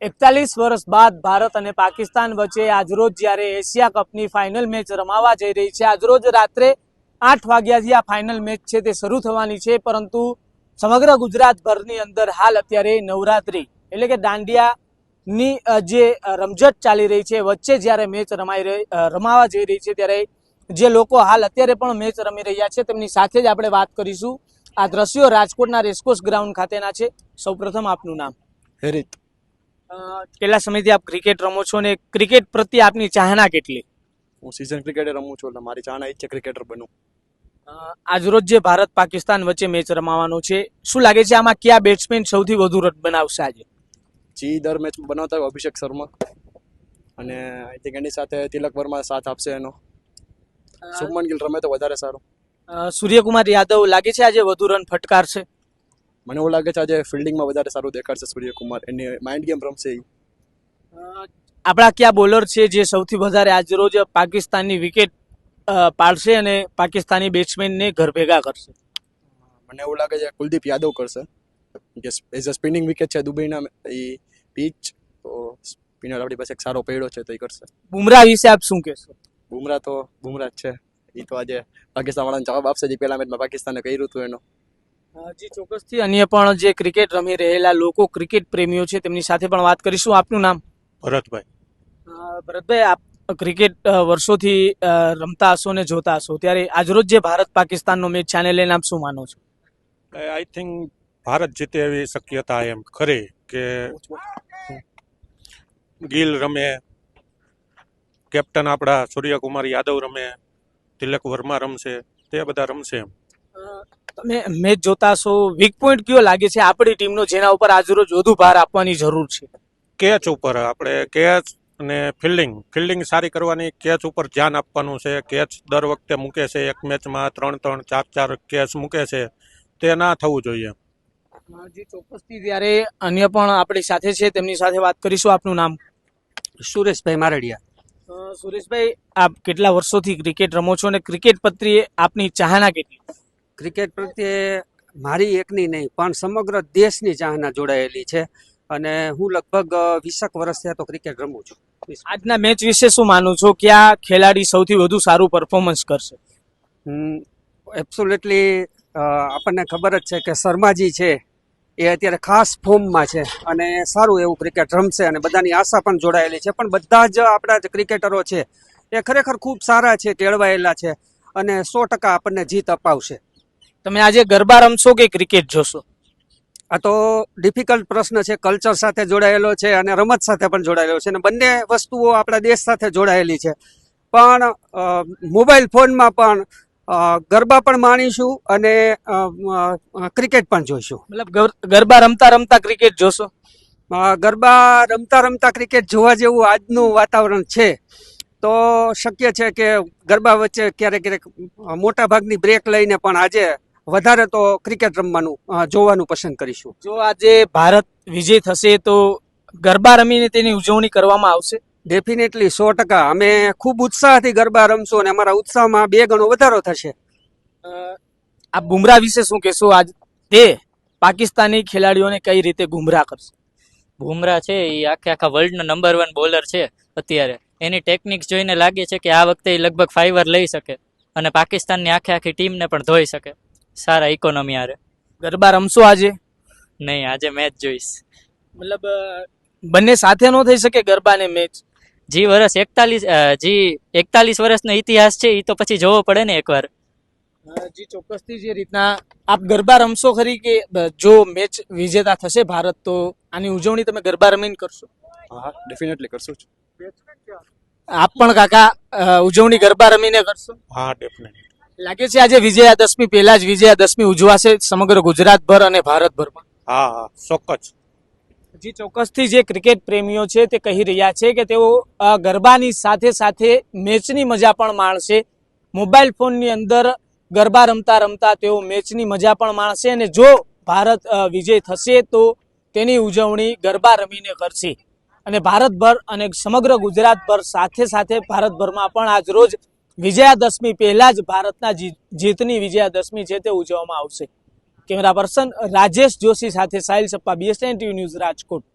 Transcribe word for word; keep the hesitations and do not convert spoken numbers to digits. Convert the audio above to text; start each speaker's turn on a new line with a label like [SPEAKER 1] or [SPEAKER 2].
[SPEAKER 1] એકતાલીસ વર્ષ બાદ ભારત અને પાકિસ્તાન વચ્ચે આજરોજ જ્યારે એશિયા કપની ફાઇનલ મેચ રમાવા જઈ રહી છે, આજરોજ રાત્રે આઠ વાગ્યાથી આ ફાઇનલ મેચ છે તે શરૂ થવાની છે, પરંતુ સમગ્ર ગુજરાતભરની અંદર હાલ અત્યારે નવરાત્રી એટલે કે દાંડિયાની જે રમઝટ ચાલી રહી છે, વચ્ચે જ્યારે મેચ રમાઈ રહી રમાવા જઈ રહી છે ત્યારે જે લોકો હાલ અત્યારે પણ મેચ રમી રહ્યા છે તેમની સાથે જ આપણે વાત કરીશું। આ દ્રશ્યો રાજકોટના રેસકોર્સ ગ્રાઉન્ડ ખાતેના છે। સૌપ્રથમ આપનું નામ?
[SPEAKER 2] હેરિત।
[SPEAKER 1] કેટલા સમયથી આપ ક્રિકેટ રમો છો અને ક્રિકેટ પ્રત્યે આપની ચાહના કેટલી?
[SPEAKER 2] હું સીઝન ક્રિકેટ રમું છું, એટલે મારી ચાહના ઈચ્છે ક્રિકેટર બનું।
[SPEAKER 1] આજરોજ જે ભારત પાકિસ્તાન વચ્ચે મેચ રમાવાનો છે, શું લાગે છે આમાં કયા બેટ્સમેન સૌથી વધુ રન બનાવશે આજે?
[SPEAKER 2] જી દર મેચ બનાવતા હોય અભિષેક શર્મા, અને આઈ થિંક એની સાથે તિલક વર્મા સાથ આપશે એનો। શુભમન ગિલ રમે તો વધારે સારું।
[SPEAKER 1] સૂર્યકુમાર યાદવ લાગે છે આજે વધુ રન ફટકારશે?
[SPEAKER 2] મને એવું લાગે છે આજે ફિલ્ડિંગમાં વધારે સારું દેખાડશે સૂર્યકુમાર, એની માઇન્ડ ગેમ રમશે એ।
[SPEAKER 1] આપણા કયા બોલર છે જે સૌથી વધારે આજરોજ પાકિસ્તાનની વિકેટ પાડશે અને પાકિસ્તાની બેટ્સમેનને ઘર ભેગા કરશે?
[SPEAKER 2] મને એવું લાગે છે કુલદીપ યાદવ કરશે, કે એઝ અ સ્પિનિંગ વિકેટ છે દુબઈના એ પીચ, તો સ્પિનર આપણી પાસે એક સારો પડ્યો છે તો એ કરશે।
[SPEAKER 1] બુમરાહ વિશે આપ શું કહેશો?
[SPEAKER 2] બુમરાહ તો બુમરાહ જ છે, એ તો આજે પાકિસ્તાન વાળાને જવાબ આપશે જે પહેલા મેચમાં પાકિસ્તાને કર્યું હતું એનો।
[SPEAKER 1] જી ચોક્કસથી અન્ય પણ જે ક્રિકેટ રમી રહેલા લોકો, ક્રિકેટ પ્રેમીઓ છે તેમની સાથે પણ વાત કરીશું। આપનું નામ?
[SPEAKER 3] ભરતભાઈ।
[SPEAKER 1] ભરતભાઈ, આપ ક્રિકેટ વર્ષોથી રમતા હશો ને જોતા હશો, ત્યારે આજરોજ જે ભારત પાકિસ્તાનનો મેચ છે આને લઈને આપ શું માનો છો?
[SPEAKER 3] આઈ થિંક ભારત જીતે એવી શક્યતા એમ ખરી કે ગિલ રમે, કેપ્ટન આપણા સૂર્યકુમાર યાદવ રમે, તિલક વર્મા રમશે, તે બધા રમશે એમ।
[SPEAKER 1] તમે મેચ જોતા હશો, વીક પોઈન્ટ કયો લાગે છે આપણી ટીમનો જેના ઉપર આજરોજ વધુ ભાર આપવાની જરૂર છે?
[SPEAKER 3] કેચ ઉપર આપણે કેચ અને ફિલ્ડિંગ ફિલ્ડિંગ સારી કરવાની, કેચ ઉપર ધ્યાન આપવાનું છે। કેચ દર વખતે મૂકે છે, એક મેચમાં ત્રણ ત્રણ ચાર ચાર કેચ મૂકે છે, તે ના થવું જોઈએ।
[SPEAKER 1] જી ચોક્કસથી, ત્યારે અન્ય પણ આપણી સાથે છે તેમની સાથે વાત કરીશું। આપનું નામ?
[SPEAKER 4] સુરેશભાઈ મારડિયા।
[SPEAKER 1] સુરેશભાઈ, આપ કેટલા વર્ષોથી ક્રિકેટ રમો છો અને ક્રિકેટ પ્રત્યે આપની ચાહના કેટલી?
[SPEAKER 4] ક્રિકેટ પ્રત્યે મારી એકની નહીં પણ સમગ્ર દેશની ચાહના જોડાયેલી છે, અને હું લગભગ વીસેક વર્ષથી તો ક્રિકેટ રમું છું।
[SPEAKER 1] આજના મેચ વિશે શું માનું છો? કયા ખેલાડી સૌથી વધુ સારું પરફોર્મન્સ કરશે?
[SPEAKER 4] એબ્સોલ્યુટલી આપણને ખબર જ છે કે શર્માજી છે એ અત્યારે ખાસ ફોર્મમાં છે અને સારું એવું ક્રિકેટ રમશે, અને બધાની આશા પણ જોડાયેલી છે, પણ બધા જ આપણા જે ક્રિકેટરો છે એ ખરેખર ખૂબ સારા છે, કેળવાયેલા છે, અને સો ટકા આપણને જીત અપાવશે।
[SPEAKER 1] તમે આજે ગરબા રમશો કે ક્રિકેટ જોશો?
[SPEAKER 4] આ તો ડિફિકલ્ટ પ્રશ્ન છે, કલ્ચર સાથે જોડાયેલો છે અને રમત સાથે પણ જોડાયેલો છે, અને બંને વસ્તુઓ આપણા દેશ સાથે જોડાયેલી છે, પણ મોબાઈલ ફોનમાં પણ ગરબા પણ માણીશું અને ક્રિકેટ પણ જોઈશું।
[SPEAKER 1] મતલબ ગરબા રમતા રમતા ક્રિકેટ જોશો?
[SPEAKER 4] ગરબા રમતા રમતા ક્રિકેટ જોવા જેવું આજનું વાતાવરણ છે, તો શક્ય છે કે ગરબા વચ્ચે ક્યારેક ક્યારેક મોટા ભાગની બ્રેક લઈને પણ આજે વધારે તો ક્રિકેટ રમવાનું જોવાનું પસંદ કરીશું।
[SPEAKER 1] જો આજે ભારત વિજય થશે તો ગરબા રમીને તેની ઉજવણી કરવામાં આવશે?
[SPEAKER 4] ડેફિનેટલી, સો ટકા અમે ખૂબ ઉત્સાહથી ગરબા રમશું અને અમારા ઉત્સાહમાં બે ગણો વધારો થશે।
[SPEAKER 1] આ બુમરાહ વિશે શું કહેશો? આજ તે પાકિસ્તાની ખેલાડીઓને કઈ રીતે ગુમરાહ કરશે?
[SPEAKER 5] બુમરાહ છે એ આખે આખા વર્લ્ડનો નંબર વન બોલર છે અત્યારે, એની ટેકનિક્સ જોઈને લાગે છે કે આ વખતે એ લગભગ ફાઈવર લઈ શકે અને પાકિસ્તાનની આખે આખી ટીમને પણ ધોઈ શકે સારા ઇકોનોમી આરે।
[SPEAKER 1] ગરબા રમશો આજે?
[SPEAKER 5] નહીં, આજે મેચ જોઈશ।
[SPEAKER 1] મતલબ બંને સાથે ન થઈ શકે ગરબા ને મેચ?
[SPEAKER 5] જી વર્ષ એકતાલીસ જી એકતાલીસ વર્ષનો ઇતિહાસ છે એ તો પછી જોવો પડે ને એકવાર।
[SPEAKER 1] જી ચોક્કસથી, જે રીતના આપ ગરબા રમશો ખરી કે જો મેચ વિજેતા થશે ભારત તો આની ઉજવણી તમે ગરબા રમીને કરશો?
[SPEAKER 2] હા, ડેફિનેટલી કરશું જ।
[SPEAKER 1] આપ પણ કાકા ઉજવણી ગરબા રમીને કરશો?
[SPEAKER 3] હા, ડેફિનેટલી।
[SPEAKER 1] લાગે છે આજે વિજયાદશમી પહેલા જ વિજયાદશમી ઉજવાશે સમગ્ર ગુજરાતભર અને ભારતભરમાં?
[SPEAKER 3] હા હા, ચોક્કસ।
[SPEAKER 1] જી ચોક્કસથી, જે ક્રિકેટ પ્રેમીઓ છે તે કહી રહ્યા છે કે તેઓ ગરબાની સાથે સાથે મેચની મજા પણ માણશે। મોબાઈલ ફોનની અંદર ગરબા રમતા રમતા તેઓ મેચની મજા પણ માણશે, અને જો ભારત વિજય થશે તો તેની ઉજવણી ગરબા રમીને કરશે। અને ભારતભર અને સમગ્ર ગુજરાતભર સાથે સાથે ભારતભરમાં પણ આજ રોજ વિજયાદશમી પહેલા જ ભારતના જીતની વિજયાદશમી છે તે ઉજવવામાં આવશે। કેમેરા પર્સન રાજેશ જોશી સાથે Sahil Sappa, BSN TV news, Rajkot.